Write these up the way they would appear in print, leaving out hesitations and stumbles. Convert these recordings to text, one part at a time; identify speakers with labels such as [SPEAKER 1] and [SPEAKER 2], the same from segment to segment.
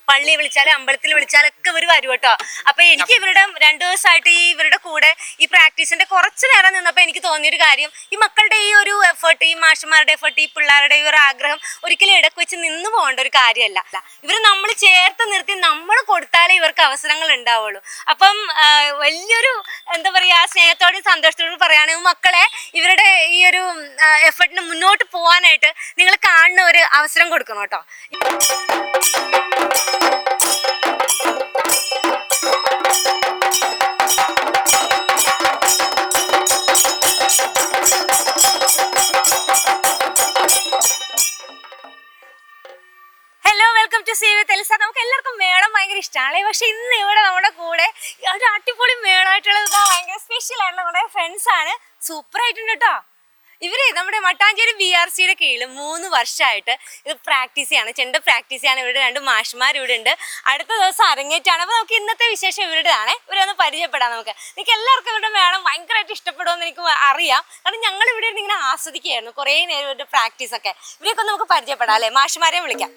[SPEAKER 1] പള്ളി വിളിച്ചാലും അമ്പലത്തിൽ വിളിച്ചാലൊക്കെ ഇവർ വരും കേട്ടോ. അപ്പൊ എനിക്ക് ഇവരുടെ 2 ദിവസമായിട്ട് ഇവരുടെ കൂടെ ഈ പ്രാക്ടീസിന്റെ കുറച്ച് നേരം നിന്നപ്പോൾ എനിക്ക് തോന്നിയൊരു കാര്യം, ഈ മക്കളുടെ ഈ ഒരു എഫേർട്ട്, ഈ മാഷന്മാരുടെ എഫേർട്ട്, ഈ പിള്ളേരുടെ ഈ ഒരു ആഗ്രഹം ഒരിക്കലും ഇടക്ക് വെച്ച് നിന്ന് പോകേണ്ട ഒരു കാര്യമല്ല. ഇവർ നമ്മൾ ചേർത്ത് നിർത്തി നമ്മൾ കൊടുത്താലേ ഇവർക്ക് അവസരങ്ങൾ ഉണ്ടാവുള്ളൂ. അപ്പം വലിയൊരു എന്താ പറയാ, സ്നേഹത്തോടും സന്തോഷത്തോടും പറയുകയാണെങ്കിൽ മക്കളെ ഇവരുടെ ഈ ഒരു എഫേർട്ടിന് മുന്നോട്ട് പോകാനായിട്ട് നിങ്ങൾ കാണുന്ന ഒരു അവസരം കൊടുക്കണം കേട്ടോ. നമുക്ക് എല്ലാവർക്കും മേളം ഭയങ്കര ഇഷ്ടമാണ്. പക്ഷെ ഇന്ന് ഇവിടെ നമ്മുടെ കൂടെ ഒരു അടിപൊളി മേളമായിട്ടുള്ളത് ഭയങ്കര സ്പെഷ്യൽ ആയിട്ടുള്ള നമ്മുടെ ഫ്രണ്ട്സ് ആണ്. സൂപ്പർ ആയിട്ടുണ്ട് കേട്ടോ. ഇവര് നമ്മുടെ മട്ടാഞ്ചേരി BRCയുടെ കീഴിൽ 3 വർഷമായിട്ട് ഇത് പ്രാക്ടീസ് ചെയ്യാണ്, ചെണ്ട പ്രാക്ടീസ് ചെയ്യാണ്. ഇവരുടെ 2 മാഷ്മാർ ഇവിടെ ഉണ്ട്. അടുത്ത ദിവസം അരങ്ങേറ്റാണ്. അപ്പോൾ നമുക്ക് ഇന്നത്തെ വിശേഷം ഇവരുടെയാണ്. ഇവരൊന്ന് പരിചയപ്പെടാം. നിങ്ങൾക്ക് എല്ലാവർക്കും ഇവരുടെ മേളം ഭയങ്കരമായിട്ട് ഇഷ്ടപ്പെടുമെന്ന് എനിക്ക് അറിയാം. കാരണം ഞങ്ങൾ ഇവിടെ ഇരുന്ന് ഇങ്ങനെ ആസ്വദിക്കുകയായിരുന്നു കുറേ നേരം ഇവരുടെ പ്രാക്ടീസ് ഒക്കെ. ഇവരെയൊക്കെ നമുക്ക് പരിചയപ്പെടാം അല്ലേ? മാഷ്മാരെ വിളിക്കാം.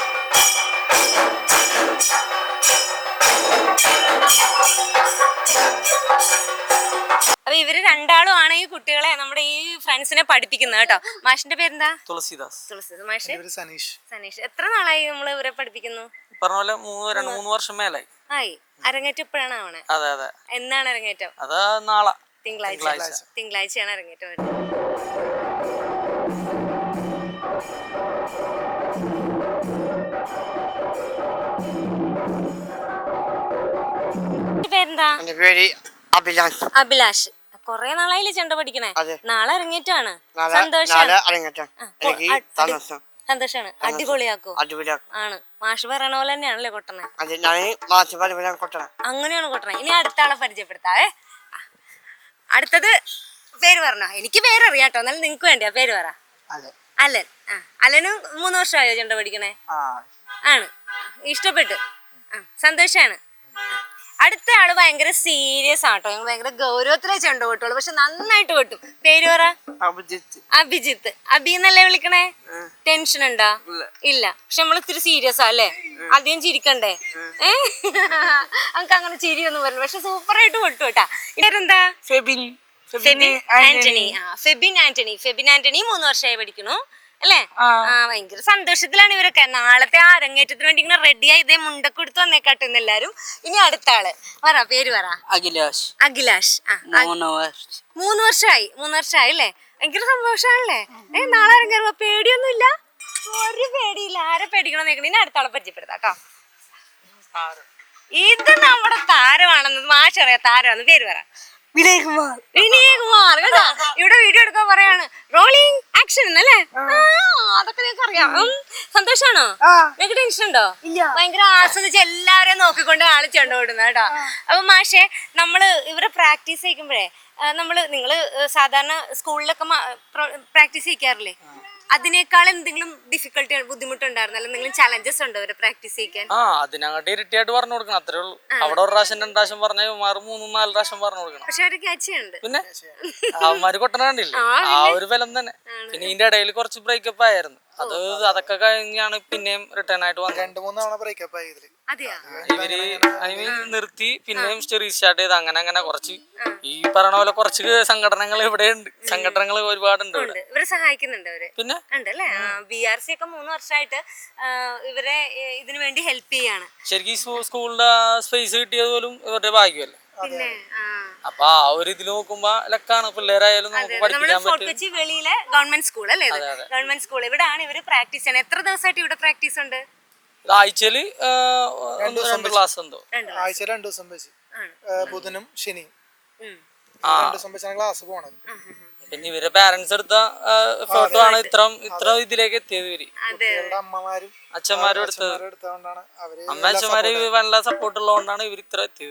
[SPEAKER 1] അപ്പൊ ഇവര് രണ്ടാളും ആണ് ഈ കുട്ടികളെ, നമ്മുടെ ഈ ഫ്രണ്ട്സിനെ പഠിപ്പിക്കുന്നത് കേട്ടോ. മാഷിന്റെ പേരെന്താ? തുളസിദാസ്. മാഷ് സനീഷ്. എത്ര നാളായി നമ്മൾ ഇവരെ പഠിപ്പിക്കുന്നു?
[SPEAKER 2] പറഞ്ഞ പോലെ 2-3 വർഷം മേലായി.
[SPEAKER 1] ആയി. അരങ്ങേറ്റം എപ്പോഴാണ് ആവണേ?
[SPEAKER 2] അതെ അതെ.
[SPEAKER 1] എന്നാണ് അരങ്ങേറ്റം?
[SPEAKER 2] അത് നാളെ
[SPEAKER 1] തിങ്കളാഴ്ചയാണ് അരങ്ങേറ്റം വരുന്നത്. പേരെന്താ? അഭിലാഷ്. കൊറേ നാളായില്ലേ ചെണ്ട പഠിക്കണേ? നാളെ അരങ്ങേറ്റാണ്. സന്തോഷാണ്. അടിപൊളിയാക്കോ? ആണ്. മാഷ് പറയണ പോലെ തന്നെയാണല്ലേ കൊട്ടണേ? അങ്ങനെയാണ് കൊട്ടണേ. ഇനി അടുത്ത ആളെ പരിചയപ്പെടുത്താവേ. അടുത്തത് പേര് പറഞ്ഞോ? എനിക്ക് പേരറിയാട്ടോ, എന്നാലും നിങ്ങക്ക് വേണ്ടിയാ പേര് പറ. അലൻ. അലന് 3 വർഷമായോ ചെണ്ട പഠിക്കണേ? ആണ്. ഇഷ്ടപ്പെട്ടു. സന്തോഷാണ്. അടുത്ത ആള് ഭയങ്കര സീരിയസ് ആട്ടോ. ഞങ്ങൾ ഭയങ്കര ഗൗരവത്തിലേ ചെണ്ട കൊട്ടുള്ളൂ, പക്ഷെ നന്നായിട്ട് കൊട്ടും. പേര് പറ. അഭിജിത്ത്. അബി എന്നല്ലേ വിളിക്കണേ? ടെൻഷൻ ഉണ്ടോ? ഇല്ല. പക്ഷെ നമ്മൾ ഇത്തിരി സീരിയസ് അല്ലേ? അധികം ചിരിക്കണ്ടേ? നമുക്ക് അങ്ങനെ ചിരിയൊന്നും വരില്ല, പക്ഷെ സൂപ്പർ ആയിട്ട് കൊട്ടു കേട്ടാ. ഇവരെന്താ? ഫെബിൻ ആന്റണി. ഫെബിൻ ആന്റണി 3 വർഷമായി പഠിക്കണു അല്ലേ? ഭയങ്കര സന്തോഷത്തിലാണ് ഇവരൊക്കെ. നാളത്തെ അരങ്ങേറ്റത്തിന് വേണ്ടി ഇങ്ങനെ റെഡി ആയി ഇതേ മുണ്ടൊക്കെ എടുത്ത് വന്നേക്കാട്ടുന്ന എല്ലാരും. ഇനി അടുത്ത ആള് പറ, പേര് പറ.
[SPEAKER 2] അഖിലാഷ്.
[SPEAKER 1] 3 വർഷമായി അല്ലേ? ഭയങ്കര സന്തോഷാണല്ലേ? നാളെ അരങ്ങേറുമ്പോ പേടിയൊന്നും ഇല്ല? ഒരു പേടിയില്ല. ആരെ പേടിക്കണം നോക്കണം. ഇനി അടുത്ത ആളെ പരിചയപ്പെടുത്താം കേട്ടോ. ഇത് നമ്മുടെ താരമാണെന്ന് മാഷറിയാം. താരമാണെന്ന് പേര് പറ. വിനയകുമാർ കേട്ടോ. ഇവിടെ വീഡിയോ എടുക്കാൻ പറയാണ്. റോളിംഗ് ആക്ഷൻ എന്നല്ലേ? അതൊക്കെ നിങ്ങൾക്ക് അറിയാം. സന്തോഷാണോ? നിങ്ങൾക്ക് ടെൻഷൻ ഉണ്ടോ? ഭയങ്കര ആസ്വദിച്ച് എല്ലാവരെയും നോക്കിക്കൊണ്ട് ആള് ചെണ്ട ഓടുന്നത് കേട്ടോ. അപ്പൊ മാഷെ, നമ്മള് ഇവരെ പ്രാക്ടീസ് ചെയ്യിക്കുമ്പോഴേ നിങ്ങള് സാധാരണ സ്കൂളിലൊക്കെ പ്രാക്ടീസ് ചെയ്യിക്കാറില്ലേ? അതിനേക്കാൾ എന്തെങ്കിലും ഡിഫിക്കൽട്ടി, ബുദ്ധിമുട്ടുണ്ടായിരുന്നു? എന്തെങ്കിലും ചലഞ്ചസ് ഉണ്ടോ ഇവരെ പ്രാക്ടീസ് ചെയ്യിക്കാൻ?
[SPEAKER 2] അതിനങ്ങോട്ട് ഇരട്ടിയായിട്ട് പറഞ്ഞു കൊടുക്കണം, അത്രേ ഉള്ളൂ. അവിടെ 1 പ്രാവശ്യം 2 പ്രാവശ്യം പറഞ്ഞ 3-4 പ്രാവശ്യം പറഞ്ഞു കൊടുക്കണം.
[SPEAKER 1] പക്ഷെ അവര് ക്യാച്ച് ചെയ്യുന്നുണ്ട്.
[SPEAKER 2] പിന്നെ അവന്മാര് കൊട്ടണണ്ടില്ലേ? ആ ഒരു ബലം തന്നെ. പിന്നെ ഇതിന്റെ ഇടയിൽ കുറച്ച് ബ്രേക്കപ്പ് ആയിരുന്നു. അതൊക്കെ കഴിഞ്ഞാണ് പിന്നെയും റിട്ടേൺ ആയിട്ട് വന്നത്.
[SPEAKER 3] 2-3 തവണ ബ്രേക്കപ്പ് ആയി.
[SPEAKER 2] ഇവര് നിർത്തി പിന്നെയും റീസ്റ്റാർട്ട് ചെയ്ത് അങ്ങനെ കുറച്ച് ഈ പറഞ്ഞ പോലെ കുറച്ച് സംഘടനകൾ ഇവിടെ ഉണ്ട്. സംഘടനകൾ ഒരുപാടുണ്ട്.
[SPEAKER 1] ഇവരെ സഹായിക്കുന്നുണ്ട് അവര്.
[SPEAKER 2] പിന്നെ
[SPEAKER 1] ഉണ്ടല്ലേ? BRC ഒക്കെ 3 വർഷമായിട്ട് ഇവരെ ഇതിനു വേണ്ടി ഹെൽപ്പ് ചെയ്യാണ്.
[SPEAKER 2] ശരിക്കും സ്കൂളിന്റെ സ്പേസ് കിട്ടിയത് പോലും ഇവരുടെ ഭാഗ്യമല്ലേ?
[SPEAKER 1] പിന്നെ
[SPEAKER 2] അപ്പൊ ആ ഒരു ഇതിൽ നോക്കുമ്പോ ലക്കാണ്. പിള്ളേരായാലും നമുക്ക് പഠിപ്പിക്കാൻ പറ്റും.
[SPEAKER 1] കൊച്ചി വെളിയിലെ ഗവൺമെന്റ് സ്കൂൾ അല്ലേ? Government school. ഇവിടെയാണ് ഇവര് പ്രാക്ടീസ് ചെയ്യണത്. എത്ര ദിവസമായിട്ട് ഇവിടെ പ്രാക്ടീസ് ഉണ്ട്?
[SPEAKER 2] ആഴ്ചയില് 2 ക്ലാസ് എന്തോ.
[SPEAKER 3] ആഴ്ചയിൽ 2 ദിവസം വെച്ച്, ബുധനും ശനിയും 2 ദിവസം വെച്ചാണ് ക്ലാസ് പോണത്.
[SPEAKER 2] പിന്നെ ഇവരെ പാരന്റ്സ് എടുത്ത ഫോട്ടോ ആണ് ഇത്ര ഇതിലേക്ക് എത്തിയത്. ഇവര്
[SPEAKER 3] അമ്മമാരും
[SPEAKER 2] അച്ഛന്മാരും
[SPEAKER 3] എടുത്തതുകൊണ്ടാണ്.
[SPEAKER 2] അച്ഛന്മാര് നല്ല സപ്പോർട്ട് ഉള്ളതുകൊണ്ടാണ് ഇവർ ഇത്ര എത്തിയത്.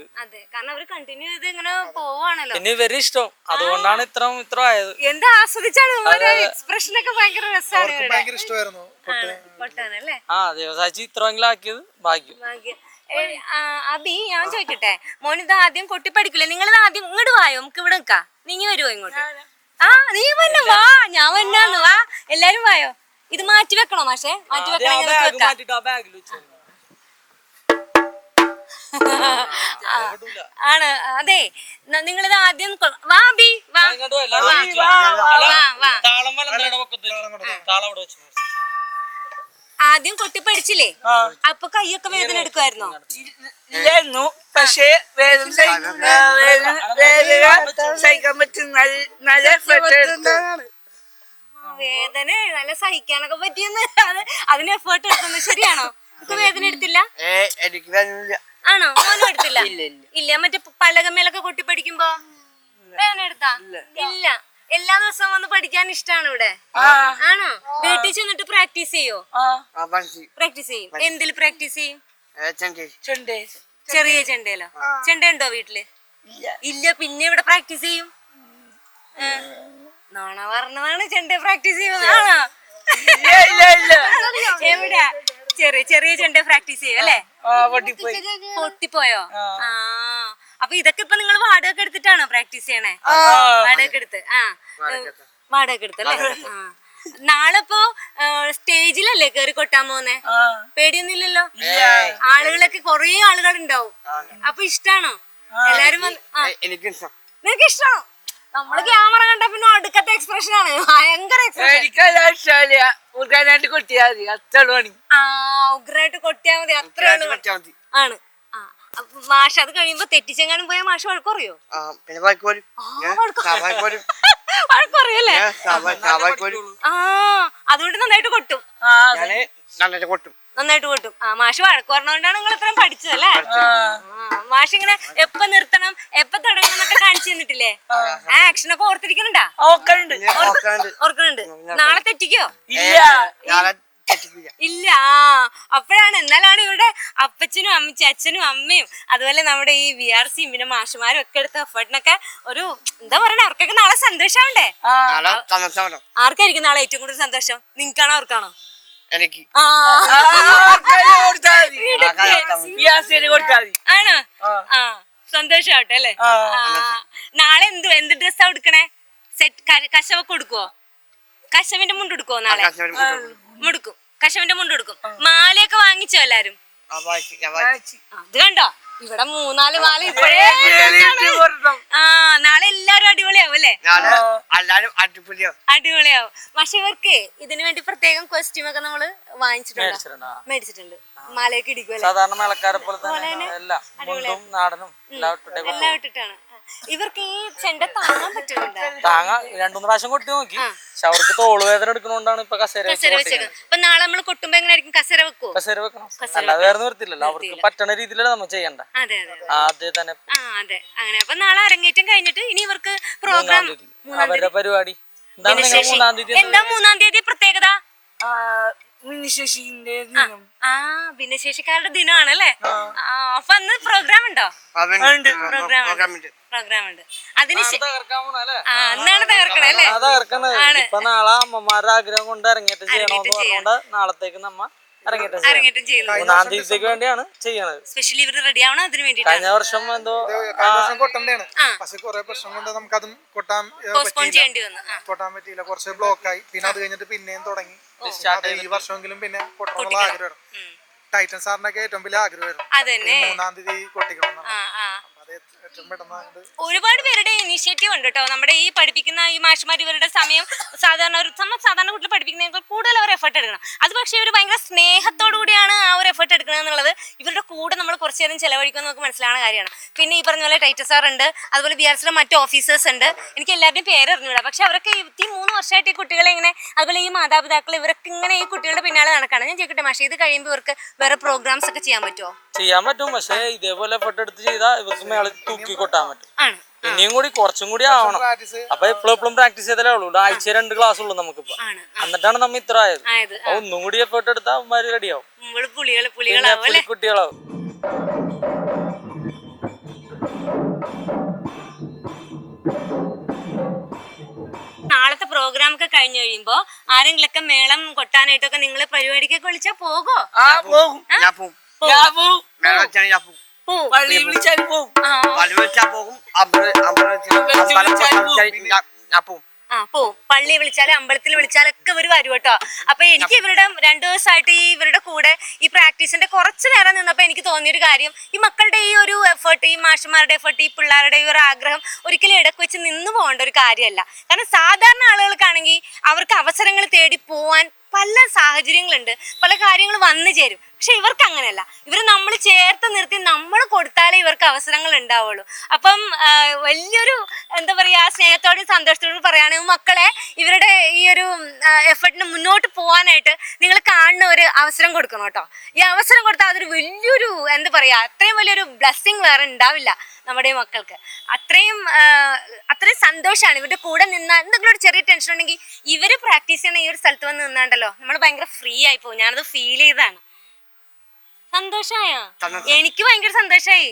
[SPEAKER 2] പിന്നെ ഇവര് ഇഷ്ടം, അതുകൊണ്ടാണ് ഇത്ര ആയത്.
[SPEAKER 1] എന്താ ആസ്വദിച്ചാണ് എക്സ്പ്രഷൻ ഒക്കെ ഭയങ്കര രസമാണ്.
[SPEAKER 3] ഭയങ്കര ഇഷ്ടമായിരുന്നു.
[SPEAKER 2] ദേവസാച്ചി ഇത്രയെങ്കിലും ആക്കിയത് ഭാഗ്യം.
[SPEAKER 1] അബി, ഞാൻ ചോദിക്കട്ടെ, മോനിത് ആദ്യം കൊട്ടി പഠിക്കില്ലേ? നിങ്ങൾ ആദ്യം ഇങ്ങോട്ട് വായോ, നമുക്ക് ഇവിടെ നിൽക്കാം. നീങ്ങി വരുവോ ഇങ്ങോട്ട്? നീ വന്നെ വാ, ഞാൻ വന്നാന്ന് വാ. എല്ലാരും വായോ. ഇത് മാറ്റി വെക്കണോ മാഷെ? മാറ്റി വെക്കണോ? ആണ് അതെ. നിങ്ങളിത് ആദ്യം വാ ബി വാ വാ. ആദ്യം കൊട്ടി പഠിച്ചില്ലേ? അപ്പൊ കൈയൊക്കെ വേദന എടുക്കുമായിരുന്നോ?
[SPEAKER 4] ഇല്ലായിരുന്നു, പക്ഷേ വേദന സഹിക്കാൻ പറ്റും. നല്ല എഫേർട്ട് എടുത്തു.
[SPEAKER 1] വേദന നല്ല സഹിക്കാനൊക്കെ പറ്റിയെന്ന് അതിന് എഫേർട്ട് എടുക്കുന്നത് ശരിയാണോ? നമുക്ക് വേദന എടുത്തില്ല?
[SPEAKER 4] എനിക്ക് വേദനയില്ല.
[SPEAKER 1] ആണോ? മോനും എടുത്തില്ല? ഇല്ല. മറ്റേ പലകമേലൊക്കെ കൊട്ടി പഠിക്കുമ്പോ വേദന എടുത്താ? ഇല്ല. എല്ലാ ദിവസവും വന്ന് പഠിക്കാൻ ഇഷ്ടമാണ് ഇവിടെ? ആണോ? വീട്ടിൽ ചെന്നിട്ട് പ്രാക്ടീസ് ചെയ്യോ? പ്രാക്ടീസ് ചെയ്യും. എന്തിൽ പ്രാക്ടീസ് ചെയ്യും? ചെറിയ ചെണ്ടയിലോ? ചെണ്ട ഉണ്ടോ വീട്ടില്? ഇല്ല. പിന്നെ ഇവിടെ പ്രാക്ടീസ് ചെയ്യും? നാണ പറഞ്ഞതാണ് ചെണ്ട പ്രാക്ടീസ് ചെയ്യുന്നതാണോ? എവിടെയാ? ചെറിയ ചെണ്ട പ്രാക്ടീസ് ചെയ്യും അല്ലേ? പൊട്ടിപ്പോയോ? ആ. അപ്പൊ ഇതൊക്കെ ഇപ്പൊ നിങ്ങൾ വാടക എടുത്തിട്ടാണോ പ്രാക്ടീസ് ചെയ്യണേ? വാടക എടുത്ത്. വാടക എടുത്തല്ലേ? നാളെ ഇപ്പോ സ്റ്റേജിലല്ലേ കേറി കൊട്ടാൻ പോന്നെ? പേടിയൊന്നുമില്ലല്ലോ? ആളുകളൊക്കെ കൊറേ ആളുകൾ ഉണ്ടാവും. അപ്പൊ ഇഷ്ടാണോ? എല്ലാരും നിനക്ക് ഇഷ്ടമാണോ? നമ്മള് ക്യാമറ കണ്ട പിന്നെ അടുക്കത്തെ എക്സ്പ്രഷൻ ആണ്. ഭയങ്കര
[SPEAKER 4] ഉഗ്രായിട്ട് കൊട്ടിയാ മതി, അത്ര പണി.
[SPEAKER 1] ഉഗ്രായിട്ട് കൊട്ടിയാ മതി, അത്രയാണ് ആണ്. മാഷ് അത് കഴിയുമ്പോ തെറ്റിച്ചെങ്ങാനും പോയാൽ മാഷ് വഴക്കുറയോ? വഴക്കുറയല്ലേ? അതുകൊണ്ട് നന്നായിട്ട് കൊട്ടും. നന്നായിട്ട് കൊട്ടും. മാഷ് വഴക്ക് പറഞ്ഞോണ്ടാണ് നിങ്ങൾ ഇത്രയും പഠിച്ചതല്ലേ? മാഷ് ഇങ്ങനെ എപ്പ നിർത്തണം എപ്പ തുടങ്ങണം എന്നൊക്കെ കാണിച്ചു തന്നിട്ടില്ലേ? ആക്ഷനൊക്കെ ഓർത്തിരിക്കുന്നുണ്ടാ? ഓർക്കുന്നുണ്ട്. നാളെ തെറ്റിക്കോ? ഇല്ല. അപ്പോഴാണ് എന്നാലാണ് ഇവിടെ അപ്പച്ചനും അച്ഛനും അമ്മയും അതുപോലെ നമ്മുടെ ഈ VRC പിന്നെ മാഷുമാരും ഒക്കെ എടുത്ത എഫേർട്ടിനൊക്കെ ഒരു എന്താ പറയണേ, അവർക്കൊക്കെ നാളെ സന്തോഷാവണ്ടേ? ആർക്കായിരിക്കും നാളെ ഏറ്റവും കൂടുതൽ സന്തോഷം? നിങ്ങൾക്കാണോ അവർക്കാണോ? ആണോ? സന്തോഷാവട്ടെ അല്ലേ? നാളെ എന്ത് ഡ്രസ്സാ എടുക്കണേ? സെറ്റ് കശവൊക്കെ കൊടുക്കുവോ? കശവിന്റെ മുണ്ട് എടുക്കുവോ നാളെ? മുടുക്കും. കശവിന്റെ മുണ്ട് എടുക്കും. മാലയൊക്കെ വാങ്ങിച്ചോ എല്ലാരും? അത് കണ്ടോ, ഇവിടെ 3-4 മാല ഇപ്പോഴേ. നാളെ എല്ലാരും അടിപൊളിയാവും അല്ലേ? അടിപൊളിയാവും. പക്ഷെ ഇവർക്ക് ഇതിനു വേണ്ടി പ്രത്യേകം കോസ്റ്റ്യൂം ഒക്കെ നമ്മള് മേടിച്ചിട്ടുണ്ട്. മാലയൊക്കെ ഇടിക്കുമല്ലേ?
[SPEAKER 2] സാധാരണ മേളക്കാരെ പോലെ തന്നെ
[SPEAKER 1] എല്ലാം ഇട്ടിട്ടാണ്. ഇവർക്ക് ഈ ചെണ്ട താങ്ങാൻ പറ്റുന്നുണ്ടോ?
[SPEAKER 2] 2-3 പ്രാവശ്യം കൊട്ടി നോക്കി. പക്ഷെ അവർക്ക് തോളുവേദന എടുക്കുന്നോണ്ടാണ് ഇപ്പൊ കസേര വെച്ചത്.
[SPEAKER 1] അപ്പൊ നാളെ നമ്മള് കൊട്ടുമ്പോ എങ്ങനെയായിരിക്കും? കസേര വെക്കുവോ?
[SPEAKER 2] കസേര വെക്കണം. അല്ലാതെ വേറെ നിർത്തില്ലല്ലോ. അവർക്ക് പറ്റണ രീതിയിലാണ് നമ്മൾ ചെയ്യണ്ട. ആദ്യം തന്നെ.
[SPEAKER 1] അതെ. അങ്ങനെ അപ്പൊ നാളെ അരങ്ങേറ്റം കഴിഞ്ഞിട്ട് ഇനി ഇവർക്ക് പ്രോഗ്രാം
[SPEAKER 2] അവരുടെ പരിപാടി എന്താ?
[SPEAKER 1] 3-ാം തീയതി പ്രത്യേകത
[SPEAKER 4] ഭിന്നശേഷിന്റെ
[SPEAKER 1] ഭിന്നശേഷിക്കാരുടെ ദിനമാണല്ലേ? അപ്പൊ അന്ന് പ്രോഗ്രാം ഉണ്ടോ? പ്രോഗ്രാം ഉണ്ട്. അതിന് അന്നാണ് തകർക്കണേ അല്ലേ?
[SPEAKER 2] ഇപ്പൊ നാളെ അമ്മമാരുടെ ആഗ്രഹം കൊണ്ട് അരങ്ങേറ്റം ചെയ്യണമെന്ന് പറഞ്ഞുകൊണ്ട് നാളത്തേക്ക് നമ്മ അരങ്ങേറ്റം ചെയ്യുന്നു. 3-ാം തീയതിക്ക് വേണ്ടിയാണ് ചെയ്യണത്.
[SPEAKER 1] സ്പെഷ്യലി ഇവർ റെഡി ആവണം അതിന് വേണ്ടി.
[SPEAKER 2] കഴിഞ്ഞ വർഷം എന്തോ
[SPEAKER 3] കൊട്ടണ്ടാണ്, പക്ഷെ കുറെ പ്രശ്നം കൊണ്ട് നമുക്ക് അതും കൊട്ടാൻ പറ്റിയില്ല. കുറച്ച് ബ്ലോക്ക് ആയി. പിന്നെ അത് കഴിഞ്ഞിട്ട് പിന്നെയും തുടങ്ങി. ഈ വർഷമെങ്കിലും പിന്നെ കൊട്ടണമെന്നുള്ള ആഗ്രഹം. ടൈറ്റൻ സാറിനൊക്കെ ഏറ്റവും വലിയ ആഗ്രഹമായിരുന്നു 3-ാം തീയതി കൊട്ടിക്കണം.
[SPEAKER 1] ഒരുപാട് പേരുടെ ഇനീഷ്യേറ്റീവ് ഉണ്ട് കേട്ടോ. നമ്മുടെ ഈ പഠിപ്പിക്കുന്ന ഈ മാഷ്മാർ ഇവരുടെ സമയം സാധാരണ കുട്ടികൾ പഠിപ്പിക്കുന്നതിനേക്കാൾ കൂടുതൽ അവർ എഫേർട്ട് എടുക്കണം. അത് പക്ഷേ ഇവർ ഭയങ്കര സ്നേഹത്തോടു കൂടിയാണ് ആ ഒരു എഫേർട്ട് എടുക്കുന്നത് എന്നുള്ളത് ഇവരുടെ കൂടെ നമ്മൾ കുറച്ചു നേരം ചെലവഴിക്കുമെന്ന് നമുക്ക് മനസ്സിലാവുന്ന കാര്യമാണ്. പിന്നെ ഈ പറഞ്ഞ പോലെ ടൈറ്റൻ സാർ ഉണ്ട്, അതുപോലെ VRCയുടെ മറ്റു ഓഫീസേഴ്സ് ഉണ്ട്. എനിക്ക് എല്ലാവരുടെയും പേര് അറിഞ്ഞൂടാ. പക്ഷെ അവരൊക്കെ ഈ 3 വർഷമായിട്ട് ഈ കുട്ടികളെ ഇങ്ങനെ, അതുപോലെ ഈ മാതാപിതാക്കൾ ഇവരൊക്കെ ഇങ്ങനെ ഈ കുട്ടികളുടെ പിന്നാലെ നടക്കാണ്. ഞാൻ ചോദിക്കട്ടെ മാഷെ, ഇത് കഴിയുമ്പോൾ ഇവർക്ക് വേറെ പ്രോഗ്രാംസ് ഒക്കെ ചെയ്യാൻ പറ്റുമോ?
[SPEAKER 2] ചെയ്യാൻ പറ്റും. പക്ഷേ ഇതേപോലെ എഫേർട്ട് എടുത്ത് ചെയ്താൽ ഇവർക്ക് മേളിൽ തൂക്കി കൊട്ടാൻ പറ്റും. ഇനിയും കൂടി കുറച്ചും കൂടി ആവണം. അപ്പൊ എപ്പോഴും പ്രാക്ടീസ് ചെയ്താലേ ഉള്ളൂ. ആഴ്ച 2 ക്ലാസ് ഉള്ളൂ നമുക്കിപ്പോ. എന്നിട്ടാണ് നമ്മ ഇത്ര ആയത്. ഒന്നും കൂടി എഫേർട്ട് എടുത്താൽ അവന്മാര് റെഡിയാവും, കുട്ടികളാവും.
[SPEAKER 1] നാളത്തെ പ്രോഗ്രാം ഒക്കെ കഴിഞ്ഞു കഴിയുമ്പോ ആരെങ്കിലൊക്കെ മേളം കൊട്ടാനായിട്ടൊക്കെ നിങ്ങൾ പരിപാടിക്കൊക്കെ വിളിച്ചാ പോകോ?
[SPEAKER 4] പള്ളി വിളിച്ചാലും പോകും.
[SPEAKER 1] പോവും. പള്ളി വിളിച്ചാലും അമ്പലത്തിൽ വിളിച്ചാലൊക്കെ ഇവർ വരും കേട്ടോ. അപ്പൊ എനിക്ക് ഇവരുടെ 2 ദിവസമായിട്ട് ഇവരുടെ കൂടെ ഈ പ്രാക്ടീസിന്റെ കുറച്ച് നേരം നിന്നപ്പോ എനിക്ക് തോന്നിയൊരു കാര്യം, ഈ മക്കളുടെ ഈ ഒരു എഫേർട്ട്, ഈ മാഷന്മാരുടെ എഫേർട്ട്, ഈ പിള്ളേരുടെ ഈ ഒരു ആഗ്രഹം ഒരിക്കലും ഇടക്ക് വെച്ച് നിന്ന് പോകേണ്ട ഒരു കാര്യമല്ല. കാരണം സാധാരണ ആളുകൾക്കാണെങ്കിൽ അവർക്ക് അവസരങ്ങൾ തേടി പോവാൻ പല സാഹചര്യങ്ങളുണ്ട്, പല കാര്യങ്ങൾ വന്നു ചേരും. പക്ഷെ ഇവർക്ക് അങ്ങനെയല്ല. ഇവർ നമ്മൾ ചേർത്ത് നിർത്തി നമ്മൾ കൊടുത്താലേ ഇവർക്ക് അവസരങ്ങൾ ഉണ്ടാവുള്ളൂ. അപ്പം വലിയൊരു എന്താ പറയാ, സ്നേഹത്തോടും സന്തോഷത്തോടും പറയുകയാണെങ്കിൽ മക്കളെ ഇവരുടെ ഈ ഒരു എഫേർട്ടിന് മുന്നോട്ട് പോകാനായിട്ട് നിങ്ങൾ കാണുന്ന ഒരു അവസരം കൊടുക്കണം കേട്ടോ. ഈ അവസരം കൊടുത്താൽ അതൊരു വലിയൊരു എന്താ പറയാ, അത്രയും വലിയൊരു ബ്ലെസ്സിങ് വേറെ ഉണ്ടാവില്ല നമ്മുടെ മക്കൾക്ക്. അത്രയും സന്തോഷമാണ് ഇവരുടെ കൂടെ നിന്നാൽ. എന്തെങ്കിലും ഒരു ചെറിയ ടെൻഷൻ ഉണ്ടെങ്കിൽ ഇവര് പ്രാക്ടീസ് ചെയ്യണ ഈ ഒരു സ്ഥലത്ത് വന്ന് നിന്നാണ്ടല്ലോ നമ്മൾ ഭയങ്കര ഫ്രീ ആയി പോകും. ഞാനത് ഫീൽ ചെയ്താണ്. സന്തോഷായോ? എനിക്ക് ഭയങ്കര സന്തോഷായി.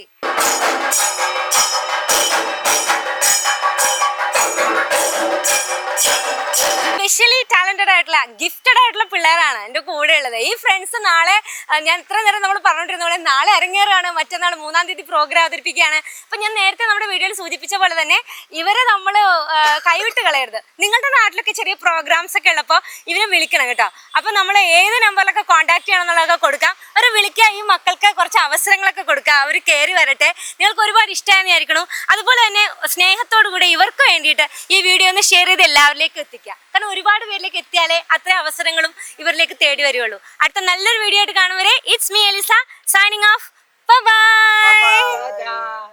[SPEAKER 1] സ്പെഷ്യലി ടാലന്റഡ് ആയിട്ടുള്ള, ഗിഫ്റ്റഡ് ആയിട്ടുള്ള പിള്ളേരാണ് എൻ്റെ കൂടെ ഉള്ളത്. ഈ ഫ്രണ്ട്സ് നാളെ, ഞാൻ ഇത്ര നേരം നമ്മൾ പറഞ്ഞിട്ടിരുന്ന പോലെ നാളെ അരങ്ങേറാണ്, മറ്റന്നാൾ 3-ാം തീയതി പ്രോഗ്രാം അവതരിപ്പിക്കുകയാണ്. അപ്പം ഞാൻ നേരത്തെ നമ്മുടെ വീഡിയോയിൽ സൂചിപ്പിച്ച പോലെ തന്നെ ഇവരെ നമ്മൾ കൈവിട്ട് കളയരുത്. നിങ്ങളുടെ നാട്ടിലൊക്കെ ചെറിയ പ്രോഗ്രാംസ് ഒക്കെ ഉള്ളപ്പോൾ ഇവരെ വിളിക്കണം കേട്ടോ. അപ്പം നമ്മൾ ഏത് നമ്പറിലൊക്കെ കോൺടാക്ട് ചെയ്യണം എന്നുള്ളതൊക്കെ കൊടുക്കാം. അവരെ വിളിക്കുക, ഈ മക്കൾക്ക് കുറച്ച് അവസരങ്ങളൊക്കെ കൊടുക്കുക, അവർ കയറി വരട്ടെ. നിങ്ങൾക്ക് ഒരുപാട് ഇഷ്ടമായിരിക്കണം. അതുപോലെ തന്നെ സ്നേഹത്തോടു കൂടി ഇവർക്ക് വേണ്ടിയിട്ട് ഈ വീഡിയോ ഒന്ന് ഷെയർ ചെയ്ത് എല്ലാവരിലേക്കും എത്തിക്കുക. കാരണം ഒരുപാട് പേരിലേക്ക് എത്തിയാലേ അത്രയും അവസരങ്ങളും ഇവരിലേക്ക് തേടി വരുള്ളൂ. അടുത്ത നല്ലൊരു വീഡിയോ ആയിട്ട് കാണും വരെ, it's me Elisa signing off. Bye by.